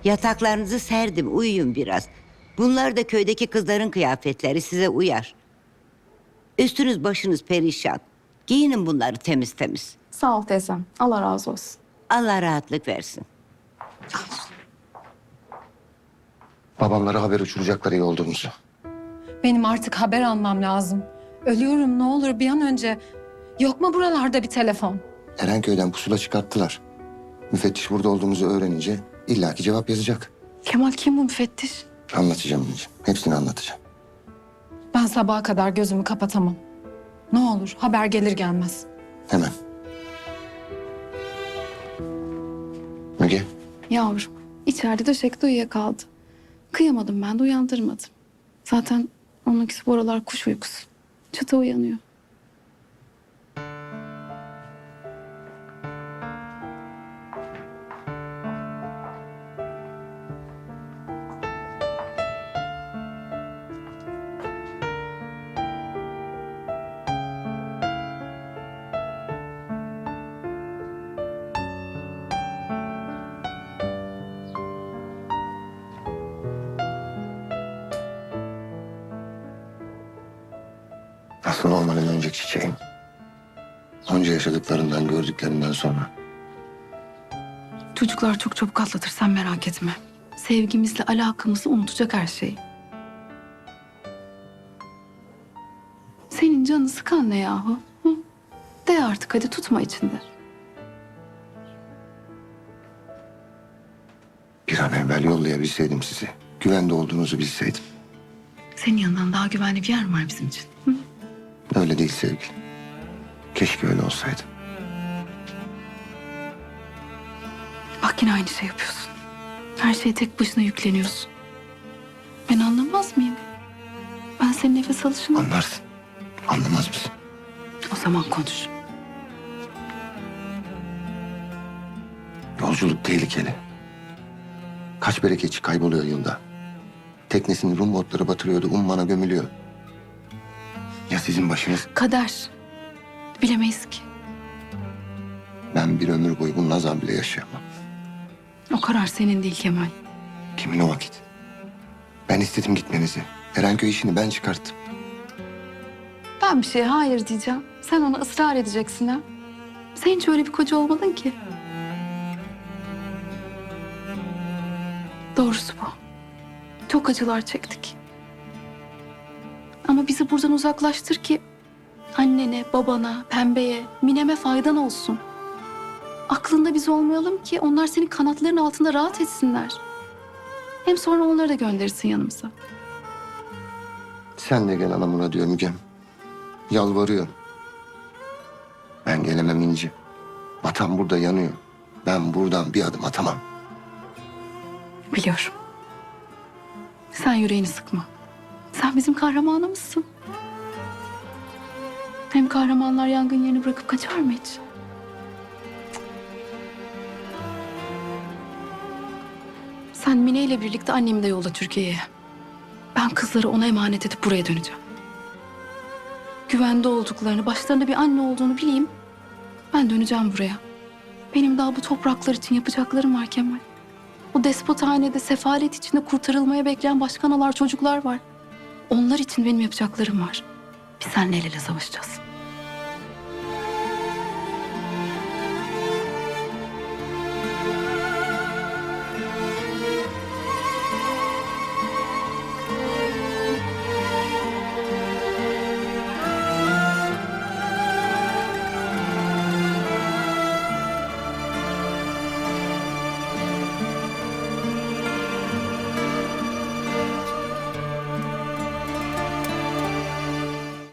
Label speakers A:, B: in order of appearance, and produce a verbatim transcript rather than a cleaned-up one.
A: Yataklarınızı serdim, uyuyun biraz. Bunlar da köydeki kızların kıyafetleri, size uyar. Üstünüz başınız perişan. Giyinin bunları temiz temiz.
B: Sağ ol teyzem. Allah razı olsun.
A: Allah rahatlık versin.
C: Babamlara haber uçuracaklar iyi olduğumuzu.
D: Benim artık haber almam lazım. Ölüyorum, ne olur bir an önce. Yok mu buralarda bir telefon?
C: Erenköy'den pusula çıkarttılar. Müfettiş burada olduğumuzu öğrenince illaki cevap yazacak.
B: Kemal kim bu müfettiş?
C: Anlatacağım anneciğim. Hepsini anlatacağım.
D: Ben sabaha kadar gözümü kapatamam. Ne olur haber gelir gelmez.
C: Hemen. Müge,
B: Yavrum içeride döşekte uyuyakaldı. Kıyamadım ben de uyandırmadım. Zaten onunkisi bu aralar kuş uykusu. Çıta uyanıyor.
C: aslında olmanın önceki çiçeğim. Onca yaşadıklarından, gördüklerinden sonra.
B: Çocuklar çok çabuk atlatır sen merak etme. Sevgimizle alakamızı unutacak her şeyi. Senin canını sıkan ne yahu? Hı? De artık hadi tutma içinde.
C: Bir an evvel yollayabilseydim sizi. Güvende olduğunuzu bilseydim.
B: Senin yanından daha güvenli bir yer mi var bizim için? Hı?
C: Öyle değil sevgilim. Keşke öyle olsaydı.
B: Bak yine aynı şey yapıyorsun. Her şeye tek başına yükleniyorsun. Ben anlamaz mıyım? Ben senin nefes alışını...
C: Anlarsın. Anlamaz mısın?
B: O zaman konuş.
C: Yolculuk tehlikeli. Kaç bereketçi kayboluyor yılda. Teknesini Rum botları batırıyordu, ummana gömülüyor. Ya sizin başınız?
B: Kader. Bilemeyiz ki.
C: Ben bir ömür boyu bunun azabı bile yaşayamam.
B: O karar senin değil Kemal.
C: Kimin o vakit? Ben istedim gitmenizi. Erenköy işini ben çıkarttım.
B: Ben bir şeye hayır diyeceğim. Sen ona ısrar edeceksin ha. Sen hiç öyle bir koca olmadın ki. Doğrusu bu. Çok acılar çektik. Ama bizi buradan uzaklaştır ki annene, babana, pembeye, Mine'me faydan olsun. Aklında biz olmayalım ki onlar senin kanatların altında rahat etsinler. Hem sonra onları da gönderirsin yanımıza.
C: Sen de gel anamına diyor Mügem. Yalvarıyor. Ben gelemem İnci. Vatan burada yanıyor. Ben buradan bir adım atamam.
B: Biliyorum. Sen yüreğini sıkma. Sen bizim kahramanımızsın. Hem kahramanlar yangın yerini bırakıp kaçar mı hiç? Sen Mine ile birlikte annemi de yolla Türkiye'ye. Ben kızları ona emanet edip buraya döneceğim. Güvende olduklarını, başlarında bir anne olduğunu bileyim. Ben döneceğim buraya. Benim daha bu topraklar için yapacaklarım var Kemal. O despothanede sefalet içinde kurtarılmaya bekleyen başka analar, çocuklar var. Onlar için benim yapacaklarım var. Biz seninle el ele savaşacağız.